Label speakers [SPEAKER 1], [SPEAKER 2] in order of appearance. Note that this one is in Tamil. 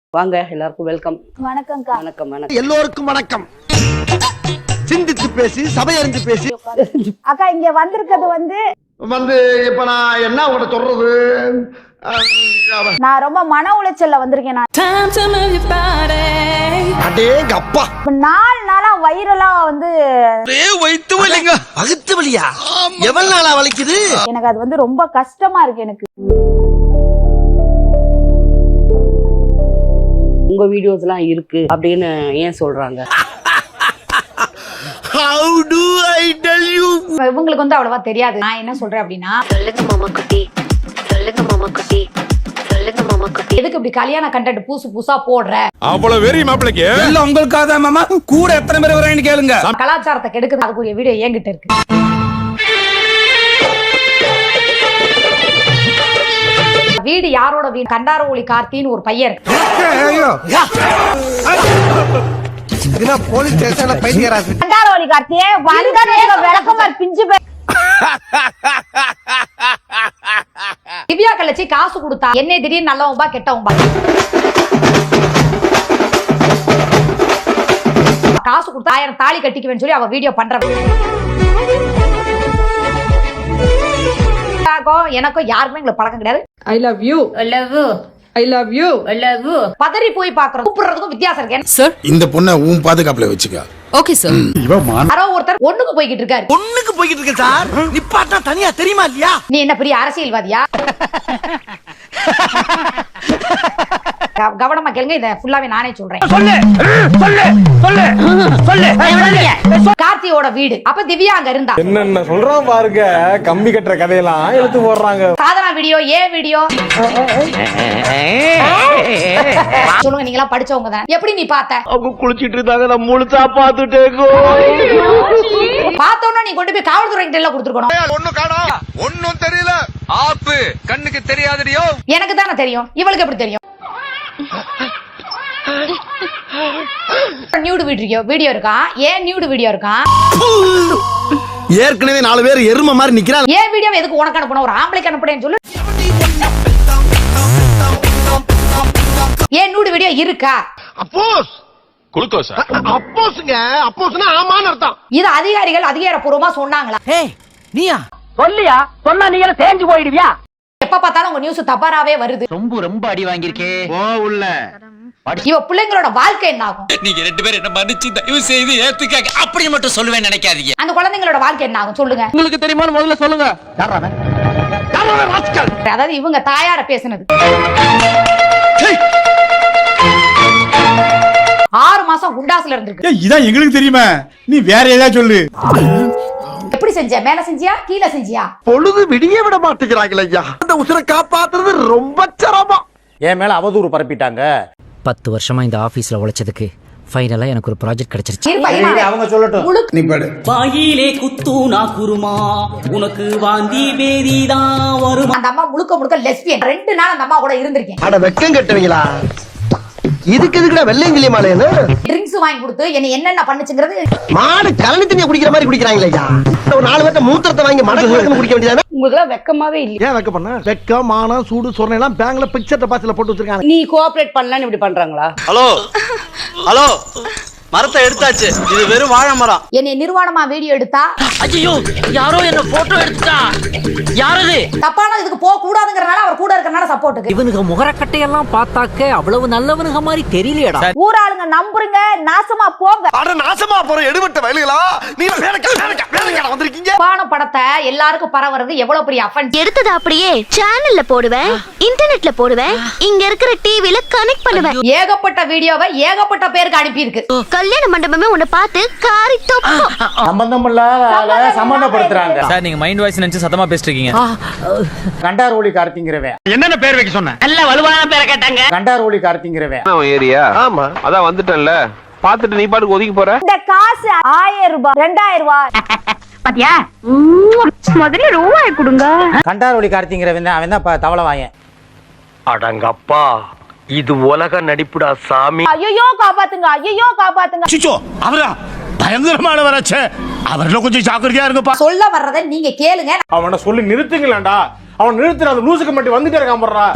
[SPEAKER 1] வாங்க எல்லாருக்கும் வெல்கம்.
[SPEAKER 2] வணக்கம்க்கா.
[SPEAKER 1] வணக்கம் வணக்கம்.
[SPEAKER 3] எல்லோருக்கும் வணக்கம். சிந்தித்து பேசி சபையறிந்து பேசி.
[SPEAKER 2] அக்கா இங்க வந்திருக்கிறது
[SPEAKER 3] வந்து இப்ப நான் என்ன உங்கள்ட்ட சொல்றது,
[SPEAKER 2] நான் ரொம்ப மன உளைச்சல்ல வந்திருக்கேன்.
[SPEAKER 3] அடேங்க அப்பா,
[SPEAKER 2] 4 நாளா வயிறெல்லாம்
[SPEAKER 3] வைத்து வலிங்க. வகுத்து வலியா? எவ்வளவு நாளா வலிக்குது?
[SPEAKER 2] எனக்கு அது ரொம்ப கஷ்டமா இருக்கு. எனக்கு
[SPEAKER 1] உங்க வீடியோஸ் எல்லாம் இருக்கு அப்படின்னு ஏன் சொல்றாங்க?
[SPEAKER 3] How do I tell you?
[SPEAKER 2] இவங்களுக்கு அவ்வளவா தெரியாது. நான் என்ன சொல்றேன் அப்படின்னா,
[SPEAKER 4] சொல்லுங்க மாமா குட்டி, சொல்லுங்க மாமா குட்டி, சொல்லுங்க மாமா குட்டி.
[SPEAKER 2] எதுக்கு இப்படி கல்யாண கண்டென்ட் புதுசா போடுற?
[SPEAKER 5] அவ்வளவு வெறி மாப்பிளைக்கு இல்ல உங்களுக்காக மாமா கூட எத்தனை பேர் வரேன்னு கேளுங்க.
[SPEAKER 2] கலாச்சாரத்தை கெடுக்குது. அதுக்குரிய வீடியோ என்கிட்ட இருக்கு. வீடு யாரோட வீடு? கண்டாரவொளி கார்த்தின்னு ஒரு பையன் இருக்கு.
[SPEAKER 3] போலீஸ் ஸ்டேஷன்ல பைத்தியராசு.
[SPEAKER 2] கண்டாரவொளி கார்த்தியே விளக்கமார் பிஞ்சு திவ்யா கலச்சி காசு கொடுத்தா என்னை திடீர்னு நல்லவன்பா கெட்டவன்பா. காசு கொடுத்தா 1000 தாலி கட்டிக்குவேன்னு சொல்லி அவ வீடியோ பண்ற. எனக்கும் யாருக்குமே எங்களுக்கு பழக்கம் கிடையாது.
[SPEAKER 6] I love you. I love you. I love you. I love you.
[SPEAKER 2] பதறி போய் பாக்குறது கூப்பிடுறதுக்கும் வித்தியாசம் இருக்கு.
[SPEAKER 5] சார் இந்த பொண்ணை உன் பாதுகாப்புல வச்சுக்க.
[SPEAKER 6] Okay sir.
[SPEAKER 2] யாரோ ஒருத்தர் ஒண்ணுக்கு போய்கிட்டு இருக்காரு.
[SPEAKER 3] ஒண்ணுக்கு போய்கிட்டு இருக்க சார். நிப்பாட்டா தனியா தெரியுமா இல்லையா?
[SPEAKER 2] நீ என்ன பெரிய அரசியல்வாதியா? கவனமா கேளுங்க, இத ஃபுல்லாவே நானே சொல்றேன். சொல்லு சொல்லு சொல்லு சொல்லு. கார்த்தியோட வீடு. அப்ப திவ்யா அங்க இருந்தா.
[SPEAKER 7] என்னென்ன சொல்றான் பாருங்க, கம்பி கட்டுற கதையெல்லாம் எடுத்து போடுறாங்க.
[SPEAKER 2] சாதனா வீடியோ, ஏ வீடியோ. சொல்லுங்க, நீங்க எல்லாம் படிச்சவங்க தான். எப்படி நீ பார்த்த?
[SPEAKER 3] அவங்க குளிச்சிட்டு இருந்தாங்க, நான் முழுசா பாத்துட்டேங்கோ.
[SPEAKER 2] பார்த்தோன்னா நீ கொண்டு போய் காவல்துறை கிட்ட எல்லாம் கொடுத்துருக்கணும்.
[SPEAKER 5] ஒண்ணும் காணோம், ஒண்ணும் தெரியல. ஆப்பு கண்ணுக்கு தெரியாதடியோ.
[SPEAKER 2] எனக்கு தானே தெரியும், இவளுக்கு எப்படி தெரியும்? நியூடு வீடியோ இருக்கா? ஏன் நியூடு வீடியோ இருக்கா?
[SPEAKER 3] ஏற்கனவே 4 பேர் எருமை மாதிரி நிக்கிறாங்க.
[SPEAKER 2] ஏன் வீடியோ எதுக்கு உனக்கு அனுப்பணும்? ஒரு ஆம்பளைக்கு அனுப்புறேன்னு சொல்லு. ஏன் நியூடு வீடியோ இருக்கா?
[SPEAKER 3] அப்போஸ்
[SPEAKER 5] குளுக்கோஸ்
[SPEAKER 3] அப்போஸ்ங்க, அப்போஸ்னா ஆமான்னு அர்த்தம்.
[SPEAKER 2] இது அதிகாரிகள் அதிகாரப்பூர்வமா சொன்னாங்களா?
[SPEAKER 8] ஏய் நீயா சொல்லியா? சொன்னா நீங்க தேஞ்சு போயிடுவியா?
[SPEAKER 2] எப்ப பார்த்தாலும் உங்க நியூஸ் தவறாவே வருது.
[SPEAKER 8] ரொம்ப அடி வாங்கியிருக்கே.
[SPEAKER 3] ஓ உள்ள
[SPEAKER 2] இவ பிள்ளைங்களோட வாழ்க்கை என்ன ஆகும்?
[SPEAKER 8] நீங்க 2 பேரும் என்ன மன்னிச்சு தயவு செய்து ஏத்துக்காங்க. அப்படி மட்டும் சொல்லுவேன் நினைக்காதீங்க.
[SPEAKER 2] அந்த குழந்தைங்களோட வாழ்க்கை என்ன ஆகும் சொல்லுங்க.
[SPEAKER 7] உங்களுக்கு தெரியுமான்னு முதல்ல சொல்லுங்க.
[SPEAKER 2] அதாவது இவங்க தாயார பேசுனது. 6 மாசம் குண்டாசுல இருந்திருக்கு.
[SPEAKER 5] இதான் எங்களுக்கு தெரியுமா, நீ வேற ஏதாவது சொல்லு.
[SPEAKER 2] எப்படி செஞ்ச? மேல செஞ்சியா கீழ செஞ்சியா?
[SPEAKER 3] பொழுது விடிய விட மாட்டேங்கிறாங்களே ஐயா. அந்த உசுரை காப்பாத்துறது ரொம்ப சிரமம்.
[SPEAKER 9] என் மேல அவதூறு பரப்பிட்டாங்க.
[SPEAKER 8] 10 வருஷமா இந்த ஆபீஸ்ல உழைச்சதுக்கு ஃபைனலா எனக்கு ஒரு ப்ராஜெக்ட் கிடைச்சிருச்சு.
[SPEAKER 9] அவங்க சொல்லட்டும்.
[SPEAKER 5] நீ பாடு.
[SPEAKER 10] வாயிலே குத்தூனா குருமா, உனக்கு வாந்தி பேதிதான் வரும்.
[SPEAKER 2] அந்த அம்மா முழுக்க லெஸ்பியன். 2 நாள் அந்த அம்மா கூட இருந்திருக்கேன்.
[SPEAKER 3] அட வெக்கம் கட்டுவீங்களா? இதுக்கு எதுக்குடா வெள்ளையங்கிலி மாலைன்னு
[SPEAKER 2] ட்ரிங்க்ஸ் வாங்கி கொடுத்து என்னென்ன பண்ணுச்சுங்கிறது.
[SPEAKER 3] மாடு கலனி தண்ணியை குடிக்கிற மாதிரி குடிக்கிறாங்களே ஐயா. ஒரு 4 பேர்த்த மூத்திரத்தை வாங்கி மடக்கு குடிக்க வேண்டியதானே?
[SPEAKER 1] உங்களுக்கு எல்லாம் வெக்கமாவே இல்ல.
[SPEAKER 3] ஏன் வெக்க பண்ண? வெக்கம், மானம், சூடு, சொரணை எல்லாம் பேங்க்ல பிக்சர் டெபாசிட்ல போட்டு வச்சிருக்காங்க.
[SPEAKER 1] நீ கோஆபரேட் பண்ணலன்னு இப்படி பண்றாங்களா?
[SPEAKER 9] ஹலோ ஹலோ, மரத்தை எடுத்தாச்சு, இது வெறும் வாழை மரம்.
[SPEAKER 2] என்னை நிர்வாணமா வீடியோ எடுத்தா
[SPEAKER 8] ஐயோ யாரோ என்ன போட்டோ எடுத்துட்டா. யாரது?
[SPEAKER 2] தப்பான இதுக்கு போக கூடாதுங்கறனால அவர் கூட இருக்கறனால சப்போர்ட்டுக்கு.
[SPEAKER 8] இவனுக்கு முகரக்கட்டையெல்லாம் பார்த்தாக்க அவ்வளவு நல்லவனுங்க மாதிரி தெரியலையடா.
[SPEAKER 2] ஊராளுங்க நம்புறீங்க, நாசமா போங்க.
[SPEAKER 3] அட நாசமா போற எடுபட்ட வயலுகளா, நீங்க வேலைக்கு வந்திருக்கீங்க.
[SPEAKER 2] பான படத்தை எல்லாருக்கும் பரவறது எவ்வளவு பெரிய அஃபென்ஸ்.
[SPEAKER 4] எடுத்தது அப்படியே சேனல்ல போடுவேன், இன்டர்நெட்ல போடுவேன், இங்க இருக்கிற டிவில கனெக்ட் பண்ணுவேன்.
[SPEAKER 2] ஏகப்பட்ட வீடியோவை ஏகப்பட்ட பேருக்கு அனுப்பி இருக்கு.
[SPEAKER 4] கல்யாண மண்டபமே உன்னை பார்த்து காரி தொப்போம்.
[SPEAKER 9] சம்பந்தம் இல்லாத சம்பந்தப்படுத்துறாங்க.
[SPEAKER 8] சார் நீங்க மைண்ட் வாய்ஸ் நினைச்சு சத்தமா பேசிட்டு இருக்கீங்க.
[SPEAKER 9] கண்டாரோலி கார்த்திங்கிறவன்.
[SPEAKER 7] என்னென்ன பேர் வைக்க சொன்ன?
[SPEAKER 10] நல்ல வலுவான பேரை கேட்டாங்க.
[SPEAKER 9] கண்டாரோலி கார்த்திங்கிறவன்.
[SPEAKER 5] ஏரியா
[SPEAKER 3] ஆமா,
[SPEAKER 5] அதான் வந்துட்டேன்ல, பாத்துட்டு நீ பாட்டுக்கு ஒதுக்கி போற.
[SPEAKER 2] இந்த காசு 1000 ரூபாய் 2000 ரூபாய்
[SPEAKER 4] பாத்தியா? முதல்ல ரூபாய் கொடுங்க.
[SPEAKER 9] கண்டாரோலி கார்த்திங்கிறவன் அவன் தான் தவளை வாயன்.
[SPEAKER 3] அடங்கப்பா, இது உலக நடிப்புடா சாமி.
[SPEAKER 2] ஐயோ காப்பாத்துங்க, ஐயோ காப்பாத்துங்க.
[SPEAKER 5] சிச்சோ அவரா பயங்கரமான வராச்சே, அவர்ல கொஞ்சம் ஜாக்கிரதையா இருங்கப்பா.
[SPEAKER 2] சொல்ல வர்றதை நீங்க கேளுங்க.
[SPEAKER 7] அவனை சொல்லி நிறுத்துங்களேன்டா. அவன் நிறுத்துற அந்த லூசுக்கு மட்டும் வந்துட்டே இருக்கான் போடுறா.